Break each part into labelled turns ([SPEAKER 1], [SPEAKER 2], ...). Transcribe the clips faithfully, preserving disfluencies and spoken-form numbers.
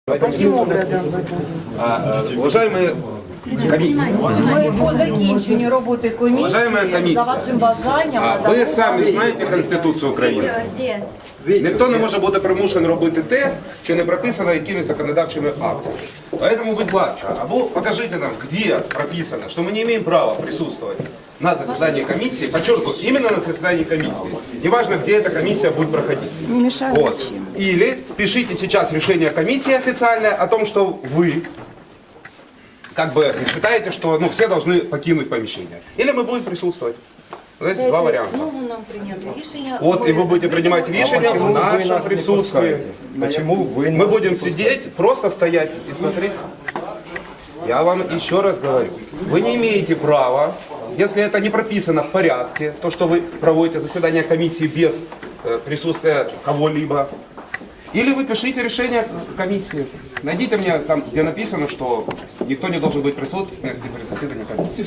[SPEAKER 1] Каким образом ми будемо?
[SPEAKER 2] А, уважаемые комиссии,
[SPEAKER 1] Ми по закінченню роботи комісії,
[SPEAKER 2] Уважаемая комиссия,
[SPEAKER 1] за вашим бажанням,
[SPEAKER 2] а,
[SPEAKER 1] надамо
[SPEAKER 2] ви самі
[SPEAKER 1] вам-
[SPEAKER 2] знаєте Конституцію України? Ніхто не може бути примушений робити те, що не прописано якимись законодавчими актами. Поэтому, будь ласка, або покажите нам, где прописано, что мы не имеем права присутствовать на заседании комиссии, подчеркиваю, именно на заседании комиссии. Неважно, где эта комиссия будет проходить.
[SPEAKER 3] Не мешает
[SPEAKER 2] Вот.
[SPEAKER 3] ничем.
[SPEAKER 2] Или пишите сейчас решение комиссии официальное о том, что вы как бы считаете, что ну, все должны покинуть помещение. Или мы будем присутствовать. Вот эти два варианта.
[SPEAKER 1] Знову нам прийняти рішення.
[SPEAKER 2] Вот, и вы будете принимать решения в нашем присутствии.
[SPEAKER 4] Почему вы
[SPEAKER 2] Мы
[SPEAKER 4] нас
[SPEAKER 2] будем
[SPEAKER 4] не пускаете?
[SPEAKER 2] сидеть, просто стоять и смотреть. Я вам еще раз говорю, вы не имеете права, если это не прописано в порядке, то, что вы проводите заседание комиссии без э, присутствия кого-либо, или вы пишите решение комиссии. Найдите мне там, где написано, что никто не должен быть присутствовать при заседании комиссии.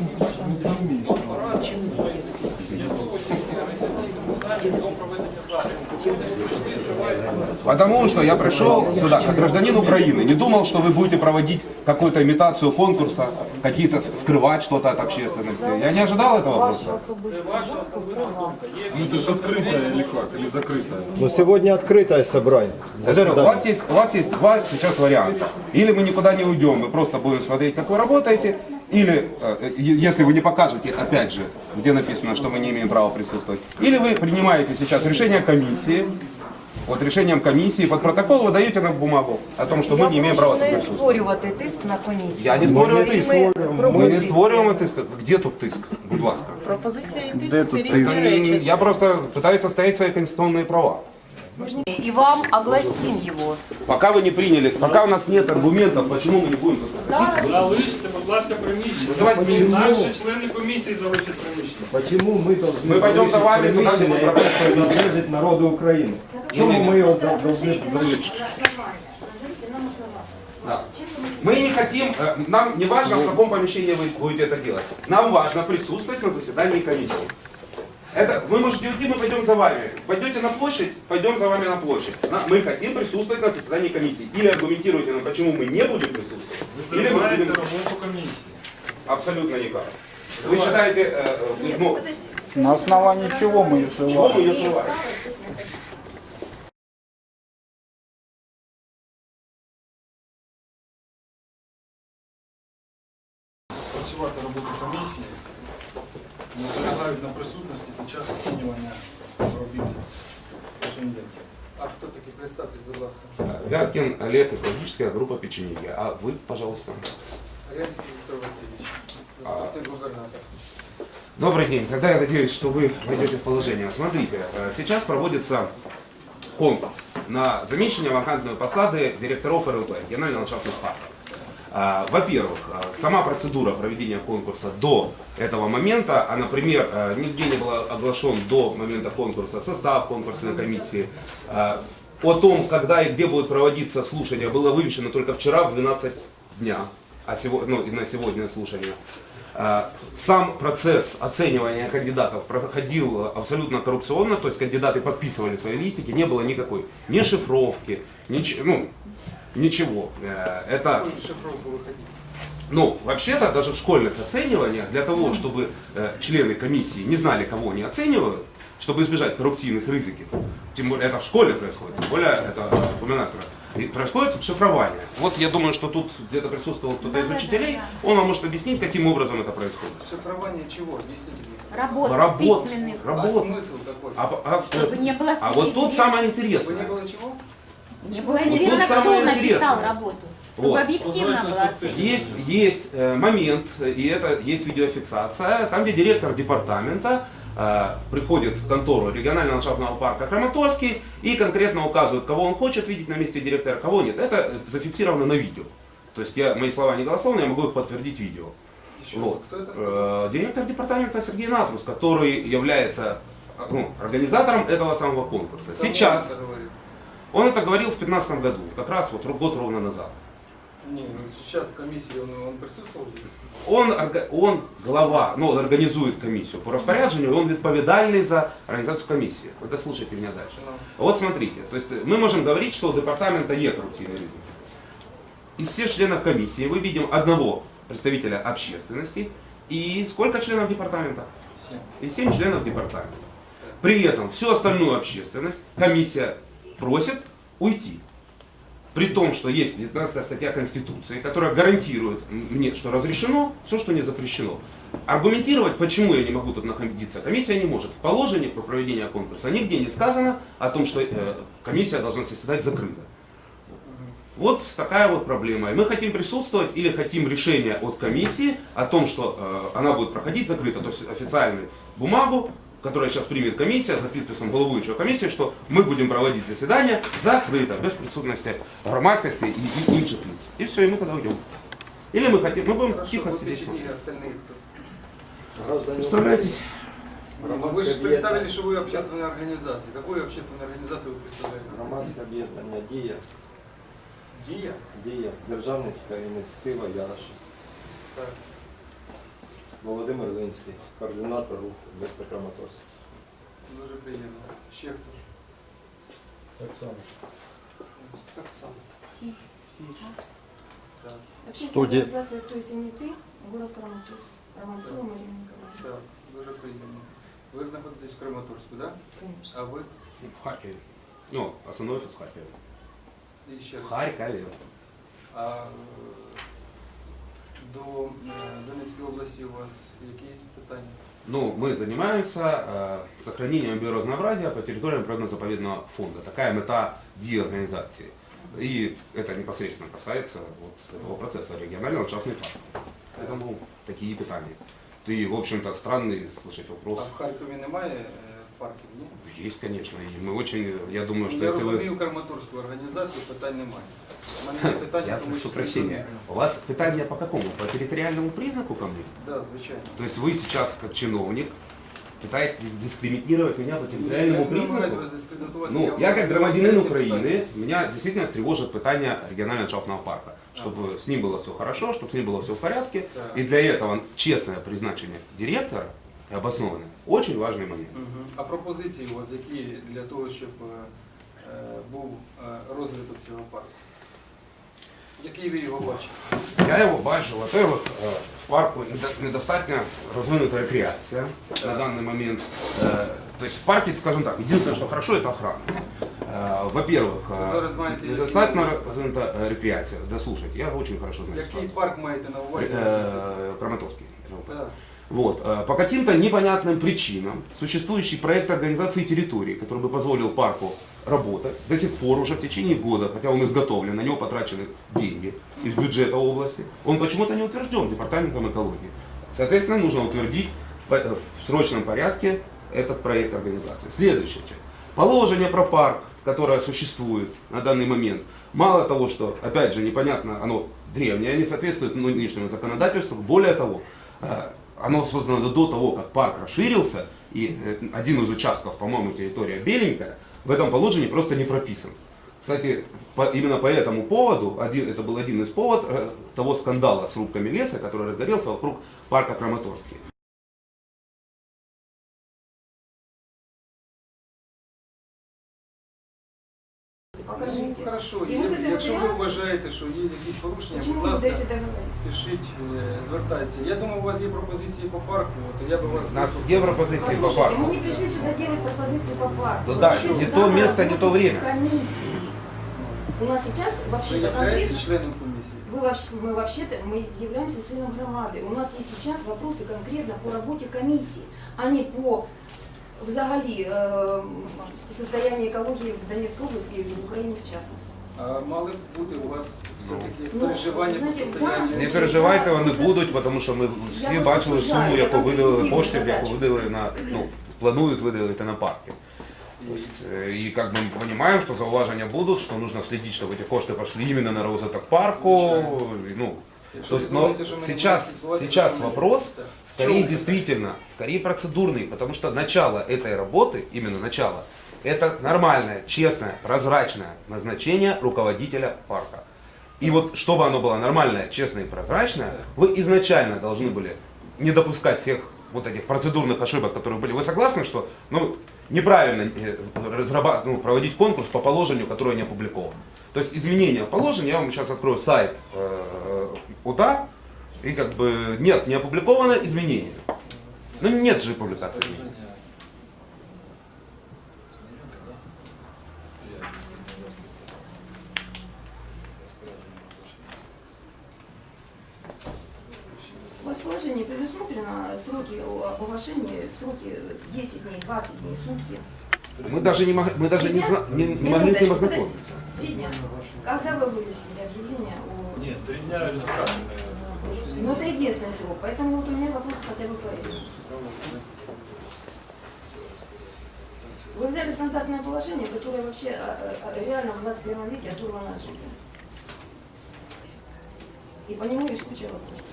[SPEAKER 2] Потому что я пришел сюда как гражданин Украины, не думал, что вы будете проводить какую-то имитацию конкурса, какие-то скрывать что-то от общественности. Я не ожидал этого
[SPEAKER 1] Ваша
[SPEAKER 2] просто.
[SPEAKER 1] особиста думка при вас.
[SPEAKER 5] Это же открытое или как? Или закрытое?
[SPEAKER 4] Ну, сегодня открытое собрание.
[SPEAKER 2] Я говорю, у вас, есть, у вас есть два сейчас варианта. Или мы никуда не уйдем, мы просто будем смотреть, как вы работаете, или, э, е- если вы не покажете, опять же, где написано, что мы не имеем права присутствовать, или вы принимаете сейчас решение комиссии, вот решением комиссии под протокол вы даете нам бумагу о том, что мы не
[SPEAKER 1] Я
[SPEAKER 2] имеем права
[SPEAKER 1] прошу не
[SPEAKER 2] присутствовать.
[SPEAKER 1] створювати тиск на комісію.
[SPEAKER 2] Я не створюю
[SPEAKER 1] І
[SPEAKER 2] тиск.
[SPEAKER 1] ми
[SPEAKER 2] Ми не
[SPEAKER 1] пропозиції.
[SPEAKER 2] створюємо тиск. Где тут тиск? Будь ласка.
[SPEAKER 6] Пропозиція і
[SPEAKER 4] Де
[SPEAKER 6] тиск це
[SPEAKER 4] тут
[SPEAKER 6] різні
[SPEAKER 4] тиск?
[SPEAKER 6] речі.
[SPEAKER 2] Я просто пытаюсь отстоять свои конституционные права.
[SPEAKER 1] І вам огласим його.
[SPEAKER 2] Пока вы не приняли, пока у нас нет аргументов, почему мы не будем тут находиться.
[SPEAKER 5] Залиште, будь ласка, приміщення.
[SPEAKER 2] Давайте
[SPEAKER 5] Чи наші члени комісії залишать приміщення?
[SPEAKER 4] Почему мы должны
[SPEAKER 2] Мы пойдем за вами
[SPEAKER 4] залишить
[SPEAKER 2] туда, где мы
[SPEAKER 4] приміщення, яке належить народу України? Чому мы его за- должны залишить?
[SPEAKER 2] Да. Мы не хотим, э, нам не важно, в каком помещении вы будете это делать. Нам важно присутствовать на заседании комиссии. Это, вы можете уйти, мы пойдем за вами. Пойдете на площадь, пойдем за вами на площадь. На- мы хотим присутствовать на заседании комиссии. Или аргументируйте нам, почему мы не будем присутствовать.
[SPEAKER 5] Ви
[SPEAKER 2] Или мы
[SPEAKER 5] зриваєте
[SPEAKER 2] будем...
[SPEAKER 5] роботу комісії.
[SPEAKER 2] Абсолютно никак. Вы считаете, э, э, ну,
[SPEAKER 7] На основании чего мы ее
[SPEAKER 2] чего
[SPEAKER 7] срываем?
[SPEAKER 2] мы ее срываем?
[SPEAKER 5] Працювати роботу комісії не наполягають на присутності під час оцінювання робіт претендентів. А хто такий? Представте, будь ласка.
[SPEAKER 2] Вяткин Олег, экологическая группа печенеги. А вы, пожалуйста.
[SPEAKER 5] Арянський Віктор Васильович, заступник губернатора.
[SPEAKER 2] Добрый день. Тогда я надеюсь, что вы войдете в положение. Смотрите, э, сейчас проводится конкурс на замещение вакантной посады директоров эр эл пэ, регионально-ландшафтных парков. А, Во-первых, э, сама процедура проведения конкурса до этого момента, а, например, э, нигде не был оглашен до момента конкурса состав конкурсной комиссии. А, О том, когда и где будет проводиться слушание, было вывешено только вчера в двенадцать дня, а сего- ну, и на сегодня слушание. А, Сам процесс оценивания кандидатов проходил абсолютно коррупционно, то есть кандидаты подписывали свои листики, не было никакой ни шифровки, нич- ну, ничего. Э, Это,
[SPEAKER 5] Шифровку виходить.
[SPEAKER 2] ну, вообще-то даже в школьных оцениваниях, для того, чтобы э, члены комиссии не знали, кого они оценивают, чтобы избежать коррупционных ризиков, тем более это в школе происходит, тем более это э, губернатора, и происходит шифрование. Вот я думаю, что тут где-то присутствовал кто-то из учителей, он вам может объяснить, каким образом это происходит.
[SPEAKER 5] Шифрование чего? Объясните мне.
[SPEAKER 8] Работ,
[SPEAKER 2] Работ,
[SPEAKER 8] письменных,
[SPEAKER 5] А
[SPEAKER 2] работ.
[SPEAKER 5] смысл какой?
[SPEAKER 2] А, а-
[SPEAKER 8] чтобы не было
[SPEAKER 2] а вот тут самое
[SPEAKER 5] Вы
[SPEAKER 2] интересное.
[SPEAKER 5] не было чего?
[SPEAKER 8] не было
[SPEAKER 2] тут
[SPEAKER 8] интересно,
[SPEAKER 2] самое
[SPEAKER 8] кто написал
[SPEAKER 2] интересное.
[SPEAKER 8] работу, чтобы
[SPEAKER 2] Вот.
[SPEAKER 8] объективно было оценить.
[SPEAKER 2] Есть, есть э, момент, и это есть видеофиксация, там, где директор департамента э, приходит в контору регионально-ландшафтного парка Краматорский и конкретно указывает, кого он хочет видеть на месте директора, кого нет. Это зафиксировано на видео. То есть я, мои слова не голословные, я могу их подтвердить видео.
[SPEAKER 5] Еще раз,
[SPEAKER 2] Вот.
[SPEAKER 5] кто это сказал?
[SPEAKER 2] Э, Директор департамента Сергей Натрус, который является ну, организатором этого самого конкурса.
[SPEAKER 5] Кому
[SPEAKER 2] Сейчас,
[SPEAKER 5] он это говорит?
[SPEAKER 2] он это говорил в две тысячи пятнадцатом году, как раз вот год ровно назад.
[SPEAKER 5] Не, ну сейчас в комиссии он, он присутствовал?
[SPEAKER 2] Он, орга- он глава, ну, он организует комиссию по распоряджению, он відповідальний за организацию комиссии. Вы дослушайте меня дальше.
[SPEAKER 5] Ну.
[SPEAKER 2] Вот смотрите, то есть мы можем говорить, что у департамента есть коррупционный риск. из всех членов комиссии мы видим одного представителя общественности и сколько членов департамента?
[SPEAKER 5] Семь.
[SPEAKER 2] И семь членов департамента. При этом всю остальную общественность комиссия просит уйти. При том, что есть девятнадцатая статья Конституции, которая гарантирует мне, что разрешено все, что не запрещено. Аргументировать, почему я не могу тут находиться, комиссия не может. В положении про проведение конкурса нигде не сказано о том, что э, комиссия должна заседать закрыто. Вот такая вот проблема. И мы хотим присутствовать или хотим решения от комиссии о том, что э, она будет проходить закрыто, то есть официальную бумагу, которая сейчас примет комиссия за подписом головующего комиссии, что мы будем проводить заседание закрыто, без присутствия громадскости и, и інших лиц. И все, и мы тогда уйдем. Или мы хотим, мы будем
[SPEAKER 5] Хорошо,
[SPEAKER 2] тихо
[SPEAKER 5] вот
[SPEAKER 2] сидеть.
[SPEAKER 5] эти остальные.
[SPEAKER 4] Граждане
[SPEAKER 2] Представляйтесь.
[SPEAKER 5] Вы же представили, что вы общественная организация. Какую общественную организацию вы представляете?
[SPEAKER 4] Громадське об'єднання «Дія»,
[SPEAKER 5] Дія?
[SPEAKER 4] «Дія», Державницька ініціатива «Ярош».
[SPEAKER 5] Так.
[SPEAKER 4] Володимир Линський, координатор руху міста Краматорськ.
[SPEAKER 5] Дуже приємно. Ще хто?
[SPEAKER 4] Так само.
[SPEAKER 5] Так само.
[SPEAKER 3] Си.
[SPEAKER 5] Так.
[SPEAKER 3] Общественная
[SPEAKER 4] Студия.
[SPEAKER 3] организация «То есть не ты», город Краматорск. Романцова Марина Николаевна.
[SPEAKER 5] Так, дуже приємно. Ви знаходитесь в Краматорську, так?
[SPEAKER 3] Конечно.
[SPEAKER 5] А ви?
[SPEAKER 2] В Харькове. Ну, основной офис в Харькове.
[SPEAKER 5] І ще
[SPEAKER 2] В
[SPEAKER 5] раз.
[SPEAKER 2] Харькове.
[SPEAKER 5] А е, до е, Донецької області у вас які питання?
[SPEAKER 2] Ну, мы занимаемся э, сохранением биоразнообразия по территориям природно-заповедного фонда. Такая мета ди организации. И это непосредственно касается вот этого процесса регионального ландшафтный парк. Поэтому такие питания. И, в общем-то, странный слышать
[SPEAKER 5] А
[SPEAKER 2] вопрос.
[SPEAKER 5] в Харкові немає е, парків, ні?
[SPEAKER 2] Есть, конечно. И мы очень, я думаю, что
[SPEAKER 5] Я
[SPEAKER 2] если вы...
[SPEAKER 5] розумію Краматорську організацію, питань немає. У мене є питання,
[SPEAKER 2] Я
[SPEAKER 5] тому
[SPEAKER 2] прошу
[SPEAKER 5] числі
[SPEAKER 2] прощения.
[SPEAKER 5] до-
[SPEAKER 2] У вас питание по какому? По территориальному признаку ко мне?
[SPEAKER 5] Да, звичайно.
[SPEAKER 2] То есть вы сейчас, как чиновник, пытаетесь дискриминировать меня по территориальному
[SPEAKER 5] Я не намагаюсь
[SPEAKER 2] признаку?
[SPEAKER 5] вас дискредитувати,
[SPEAKER 2] Ну,
[SPEAKER 5] вам
[SPEAKER 2] я как
[SPEAKER 5] задаю
[SPEAKER 2] громадянин
[SPEAKER 5] питання.
[SPEAKER 2] Украины, меня действительно тревожит питание регионального ландшафтного парка. Чтобы с ним было все хорошо, чтобы с ним было все в порядке.
[SPEAKER 5] Так.
[SPEAKER 2] И для этого честное призначение директора, и обоснованное, очень важный момент.
[SPEAKER 5] Мгм. А пропозиції у вас які для того, щоб е, е, був е, розвиток цього парку? Який ви його бачите?
[SPEAKER 2] Я его бачу, во-первых, э, в парку недо- недостаточно развинута рекреация на данный момент. Э, То есть в парке, скажем так, единственное, что хорошо, это охрана. Э, Во-первых,
[SPEAKER 5] Вы
[SPEAKER 2] э,
[SPEAKER 5] зараз знаете,
[SPEAKER 2] недостаточно
[SPEAKER 5] какие-
[SPEAKER 2] развинута э, рекреация. Да слушайте, я очень хорошо знаю
[SPEAKER 5] Який
[SPEAKER 2] ситуацию.
[SPEAKER 5] парк маєте на увазі?
[SPEAKER 2] Э, Краматорский.
[SPEAKER 5] Так.
[SPEAKER 2] Вот. э, По каким-то непонятным причинам существующий проект организации территории, который бы позволил парку работать, до сих пор уже в течение года, хотя он изготовлен, на него потрачены деньги из бюджета области, он почему-то не утвержден департаментом экологии. Соответственно, нужно утвердить в по- в срочном порядке этот проект организации. Следующее. Положение про парк, которое существует на данный момент, мало того, что, опять же, непонятно, оно древнее, не соответствует нынешнему законодательству, более того, э, оно создано до того, как парк расширился, и э, один из участков, по-моему, территория Беленькая, в этом положении просто не прописан. Кстати, по- именно по этому поводу, один, это был один из поводов э, того скандала с рубками леса, который разгорелся вокруг парка Краматорский.
[SPEAKER 3] Покажите.
[SPEAKER 5] Ну, хорошо,
[SPEAKER 3] І ви
[SPEAKER 5] Є-
[SPEAKER 3] будете
[SPEAKER 5] якщо ви
[SPEAKER 3] матеріали?
[SPEAKER 5] вважаєте, що є якісь порушення,
[SPEAKER 3] Почему
[SPEAKER 5] будь
[SPEAKER 3] вы
[SPEAKER 5] ласка,
[SPEAKER 3] даете договор?
[SPEAKER 5] пишіть, е, звертайтеся. Я думаю, у вас є пропозиції по парку, то я би вас
[SPEAKER 2] У нас
[SPEAKER 5] вислухав.
[SPEAKER 2] Европозиции по
[SPEAKER 3] Послушайте, мы
[SPEAKER 2] парку.
[SPEAKER 3] не пришли сюда делать пропозиции по парку.
[SPEAKER 2] Ну
[SPEAKER 3] Мы
[SPEAKER 2] да,
[SPEAKER 3] пришли
[SPEAKER 2] не
[SPEAKER 3] сюда
[SPEAKER 2] то
[SPEAKER 3] на
[SPEAKER 2] место, не то
[SPEAKER 3] работу
[SPEAKER 2] время.
[SPEAKER 3] комиссии. У нас сейчас
[SPEAKER 5] Ви
[SPEAKER 3] вообще-то
[SPEAKER 5] являєтесь
[SPEAKER 3] конкретно...
[SPEAKER 5] членом комісії?
[SPEAKER 3] Вы вообще, мы вообще-то мы являемся членом громады. У нас есть сейчас вопросы конкретно по работе комиссии, а не по взагалі э, состоянию экологии в Донецкой области и в Украине в частности.
[SPEAKER 5] А мали б бути у вас все-таки
[SPEAKER 3] Ну,
[SPEAKER 5] переживання
[SPEAKER 3] знаєте,
[SPEAKER 5] по состоянню?
[SPEAKER 2] Не переживайте, вони будуть, тому що ми
[SPEAKER 3] Я
[SPEAKER 2] всі
[SPEAKER 3] просто
[SPEAKER 2] бачили
[SPEAKER 3] вважаю,
[SPEAKER 2] суму,
[SPEAKER 3] я
[SPEAKER 2] яку
[SPEAKER 3] там
[SPEAKER 2] виділили
[SPEAKER 3] візивну
[SPEAKER 2] коштів, яку
[SPEAKER 3] задачу.
[SPEAKER 2] виділили на, ну, планують виділити на парки.
[SPEAKER 5] І-
[SPEAKER 2] И как бы мы понимаем, что зауважения будут, что нужно следить, чтобы эти кошты пошли именно на розвиток парку. и, Ну,
[SPEAKER 5] Якщо
[SPEAKER 2] то
[SPEAKER 5] ви
[SPEAKER 2] есть, но
[SPEAKER 5] думаєте, що ми не
[SPEAKER 2] сейчас,
[SPEAKER 5] будемо слідкувати,
[SPEAKER 2] сейчас
[SPEAKER 5] то ми-
[SPEAKER 2] вопрос
[SPEAKER 5] Так.
[SPEAKER 2] скорее
[SPEAKER 5] Чому?
[SPEAKER 2] действительно, скорее процедурный, потому что начало этой работы, именно начало, это нормальное, честное, прозрачное назначение руководителя парка. И вот чтобы оно было нормальное, честное и прозрачное, вы изначально должны были не допускать всех вот этих процедурных ошибок, которые были. Вы согласны, что ну, неправильно э, разраба- ну, проводить конкурс по положению, которое не опубликовано. То есть изменение положения, я вам сейчас открою сайт э, ОТА, и как бы нет, не опубликовано изменение. Ну нет же публикации.
[SPEAKER 3] У вас в положении предусмотрено сроки оглашения, сроки десять дней, двадцать дней, сутки.
[SPEAKER 2] Мы даже не, мог- мы даже не, зна- не, не могли с ним ознакомиться.
[SPEAKER 3] Три дня. Когда вы вывесили объявление о...
[SPEAKER 5] Нет, три дня результаты.
[SPEAKER 3] Ну, это единственный срок, поэтому вот у меня вопрос хотя бы по этому. Вы взяли стандартное положение, которое вообще а, а, реально в двадцать первом веке оторвано от жизни. И по нему есть куча вопросов.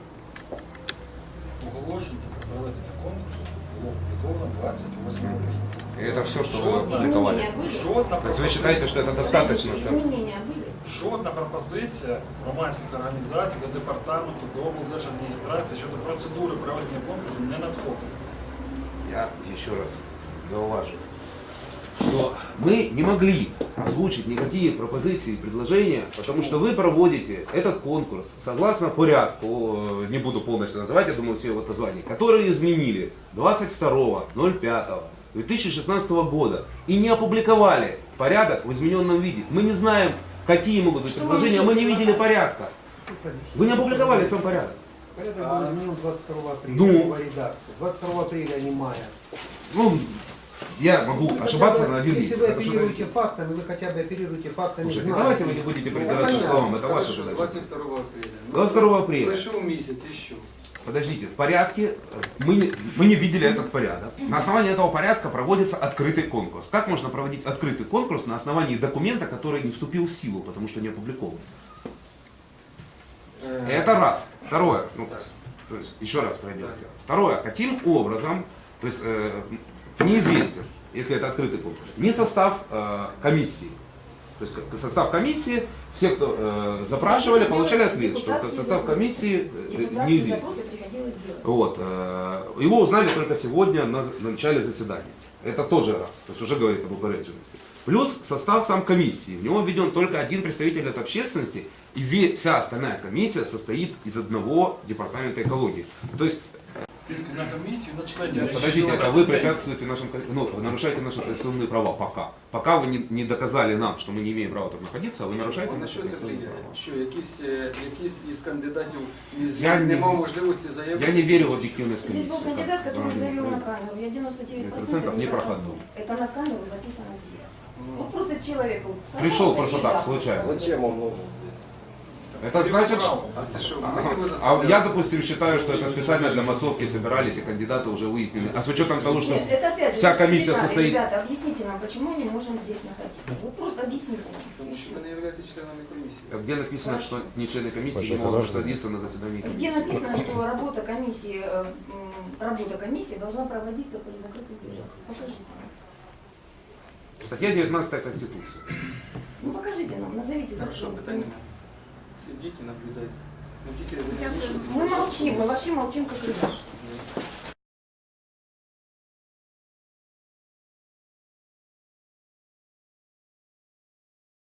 [SPEAKER 5] Оголошення про проведення конкурсу було опубліковано двадцять восьмого квітня.
[SPEAKER 2] И это все, что вы
[SPEAKER 5] Жодна-
[SPEAKER 2] опубликовали.
[SPEAKER 3] Изменения были?
[SPEAKER 5] Жодна
[SPEAKER 2] То есть вы считаете, что это достаточно?
[SPEAKER 3] Подождите,
[SPEAKER 2] всё?
[SPEAKER 3] изменения были?
[SPEAKER 5] Жодна пропозиція громадських організацій до департаменту, до облдержадміністрації щодо процедури проведення конкурсу не надходила.
[SPEAKER 2] Я еще раз зауважу, что мы не могли озвучить никакие пропозиции и предложения, потому что вы проводите этот конкурс согласно порядку, э, не буду полностью называть, я думаю, все его названия, которые изменили двадцать второго ноль пятого две тысячи шестнадцатого года и не опубликовали порядок в измененном виде. Мы не знаем, какие могут быть
[SPEAKER 3] Что
[SPEAKER 2] предложения,
[SPEAKER 3] вам
[SPEAKER 2] мы не
[SPEAKER 3] еще
[SPEAKER 2] видели порядка. Вы не опубликовали сам порядок.
[SPEAKER 6] Порядок был изменен двадцать второго апреля,
[SPEAKER 2] Ну.
[SPEAKER 6] новая редакция. двадцать второго апреля, а не мая.
[SPEAKER 2] Ну, я могу
[SPEAKER 6] Вы
[SPEAKER 2] ошибаться
[SPEAKER 6] хотя бы,
[SPEAKER 2] на один
[SPEAKER 6] Если
[SPEAKER 2] месяц.
[SPEAKER 6] вы
[SPEAKER 2] Это что-то-
[SPEAKER 6] оперируете фактами, вы хотя бы оперируете фактами,
[SPEAKER 2] Слушайте,
[SPEAKER 6] знаете.
[SPEAKER 2] давайте вы не будете придираться
[SPEAKER 6] понятно.
[SPEAKER 2] словам, это ваша задача.
[SPEAKER 9] двадцять второго апреля. Ну,
[SPEAKER 2] двадцать второго апреля.
[SPEAKER 9] Пройшов місяць і що?
[SPEAKER 2] Подождите, в порядке, мы не, мы не видели этот порядок. На основании этого порядка проводится открытый конкурс. Как можно проводить открытый конкурс на основании документа, который не вступил в силу, потому что не опубликован? Это раз. Второе, ну, то есть, еще раз пройдемте. Второе, каким образом, то есть э, неизвестен, если это открытый конкурс, не состав э, комиссии. То есть как- состав комиссии, все, кто э, запрашивали, получали ответ, что
[SPEAKER 3] Депутатские
[SPEAKER 2] состав
[SPEAKER 3] запросы.
[SPEAKER 2] комиссии э,
[SPEAKER 3] Депутатские
[SPEAKER 2] неизвестен.
[SPEAKER 3] запросы приходилось делать.
[SPEAKER 2] Вот. э, Его узнали только сегодня на на начале заседания. Это тоже раз. То есть уже говорит об упередженности. Плюс состав сам комиссии. В него введен только один представитель от общественности, и ве- вся остальная комиссия состоит из одного департамента экологии. То есть,
[SPEAKER 5] Тиск на комісію, на членів.
[SPEAKER 2] нет, подождите, это вы препятствуете нашим, кон- ну, вы нарушаете наши конституционные права пока. Пока вы не, не доказали нам, что мы не имеем права тут находиться, а вы нарушаете
[SPEAKER 9] На
[SPEAKER 2] наши
[SPEAKER 9] що це
[SPEAKER 2] конституционные
[SPEAKER 9] влияє?
[SPEAKER 2] права.
[SPEAKER 9] Що якісь, е, якісь із кандидатів не, з-
[SPEAKER 2] Я
[SPEAKER 9] не
[SPEAKER 2] не-
[SPEAKER 9] мав можливості заявити?
[SPEAKER 2] Я не верю в объективность
[SPEAKER 3] Здесь
[SPEAKER 2] комиссии.
[SPEAKER 3] был кандидат, который
[SPEAKER 2] Да,
[SPEAKER 3] заявил
[SPEAKER 2] да.
[SPEAKER 3] на камеру. Я девяносто девять
[SPEAKER 2] процентов не проходной.
[SPEAKER 3] Это на камеру записано здесь. Вот просто человек вот
[SPEAKER 2] Пришел
[SPEAKER 3] сорвался
[SPEAKER 2] просто
[SPEAKER 3] и
[SPEAKER 2] так,
[SPEAKER 3] да.
[SPEAKER 2] случайно.
[SPEAKER 4] Зачем он нужен здесь?
[SPEAKER 2] Это значит, что...
[SPEAKER 9] А це що?
[SPEAKER 2] Ага.
[SPEAKER 9] Ми його
[SPEAKER 2] А
[SPEAKER 9] заставляли?
[SPEAKER 2] я, допустим, считаю, что это специально для массовки собирались и кандидаты уже выяснили. А с учетом того, что
[SPEAKER 3] Нет, это опять же,
[SPEAKER 2] вся
[SPEAKER 3] если
[SPEAKER 2] комиссия
[SPEAKER 3] детали,
[SPEAKER 2] состоит...
[SPEAKER 3] Ребята, объясните нам, почему мы не можем здесь находиться. Вот просто объясните нам.
[SPEAKER 9] Тому що ви не являєтесь членами комісії.
[SPEAKER 2] Где написано, что не члены комиссии не
[SPEAKER 7] Паша,
[SPEAKER 2] могут
[SPEAKER 7] подожди.
[SPEAKER 2] садиться на заседании
[SPEAKER 3] Где
[SPEAKER 2] комиссии?
[SPEAKER 3] написано, что работа комиссии, э, м, работа комиссии должна проводиться при закрытых дверях? Покажите нам.
[SPEAKER 2] Статья девятнадцатая Конституции.
[SPEAKER 3] Ну покажите нам, назовите
[SPEAKER 9] Хорошо,
[SPEAKER 3] закон.
[SPEAKER 9] питань немає. Сидіть і наблюдайте. Ну тільки ви не
[SPEAKER 3] Мы
[SPEAKER 9] вмішуйтесь.
[SPEAKER 3] молчим, мы вообще молчим как ребята.